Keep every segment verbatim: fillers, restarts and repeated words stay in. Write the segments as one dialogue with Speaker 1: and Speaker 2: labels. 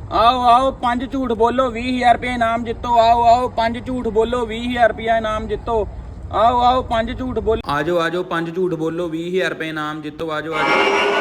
Speaker 1: आओ आओ पंज झूठ बोलो बीस हजार रुपया इनाम जितो। आओ आओ पंज झूठ बोलो बीस हजार रुपया इनाम जितो। आओ आओ पंज झूठ बोलो। आजो आजो पंज झूठ बोलो बीस हजार रुपया इनाम जितो। आजो आजो।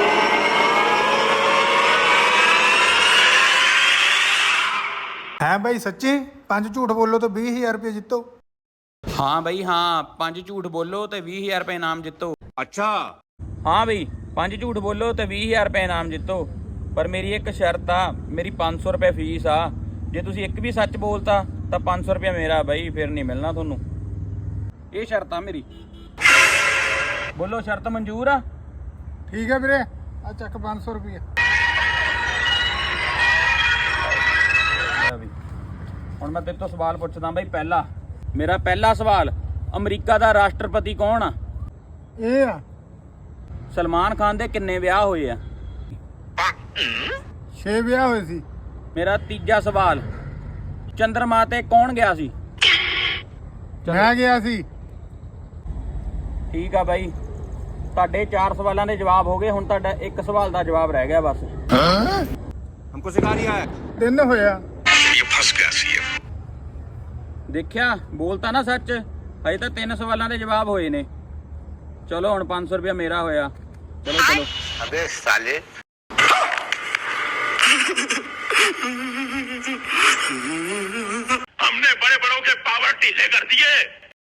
Speaker 2: है भाई सच्ची पांच झूठ बोलो तो बीस हजार रुपये जितो।
Speaker 1: हाँ भाई हाँ पंज झूठ बोलो तो बीस हजार रुपया इनाम जितो।
Speaker 3: अच्छा
Speaker 1: हाँ भाई पंज झूठ बोलो तो बीस हजार रुपया इनाम जितो। पर मेरी एक शर्त आ, मेरी पाँच सौ रुपये फीस आ। जे तुसी एक भी सच बोलता तो पाँच सौ रुपया मेरा भाई, फिर नहीं मिलना थोनू। ये शर्त आ मेरी। बोलो शर्त मंजूर आ?
Speaker 2: ठीक है वीरे आ चक पाँच सौ रुपये।
Speaker 1: ਹੁਣ ਮੈਂ ਤੇਰੇ ਤੋਂ ਸਵਾਲ ਪੁੱਛਦਾ ਬਾਈ। ਪਹਿਲਾ ਮੇਰਾ ਪਹਿਲਾ ਸਵਾਲ, ਅਮਰੀਕਾ ਦਾ ਰਾਸ਼ਟਰਪਤੀ ਕੌਣ ਆ?
Speaker 2: ਇਹ ਆ
Speaker 1: ਸਲਮਾਨ ਖਾਨ ਦੇ ਕਿੰਨੇ ਵਿਆਹ ਹੋਏ ਆ?
Speaker 2: ਛੇ ਵਿਆਹ ਹੋਏ ਸੀ।
Speaker 1: ਮੇਰਾ ਤੀਜਾ ਸਵਾਲ, ਚੰਦਰਮਾ ਤੇ ਕੌਣ ਗਿਆ ਸੀ?
Speaker 2: ਮੈਂ ਗਿਆ ਸੀ।
Speaker 1: ਠੀਕ ਆ ਬਾਈ, ਤੁਹਾਡੇ ਚਾਰ ਸਵਾਲਾਂ ਦੇ ਜਵਾਬ ਹੋ ਗਏ। ਹੁਣ ਤੁਹਾਡਾ ਇੱਕ ਸਵਾਲ ਦਾ ਜਵਾਬ ਰਹਿ ਗਿਆ ਬਸ।
Speaker 3: हमको सिखा रिया है।
Speaker 2: ਤਿੰਨ ਹੋਇਆ।
Speaker 1: ਦੇਖਿਆ, ਬੋਲਤਾ ਨਾ ਸੱਚ। ਹਜੇ ਤਾਂ ਤਿੰਨ ਸਵਾਲਾਂ ਦੇ ਜਵਾਬ ਹੋਏ ਨੇ। ਚਲੋ ਹੁਣ ਪੰਜ ਸੌ ਰੁਪਇਆ ਮੇਰਾ ਹੋਇਆ। ਚਲੋ ਚਲੋ।
Speaker 3: अबे साले
Speaker 4: हमने बड़े बड़ों के पावर ढीले कर दिए।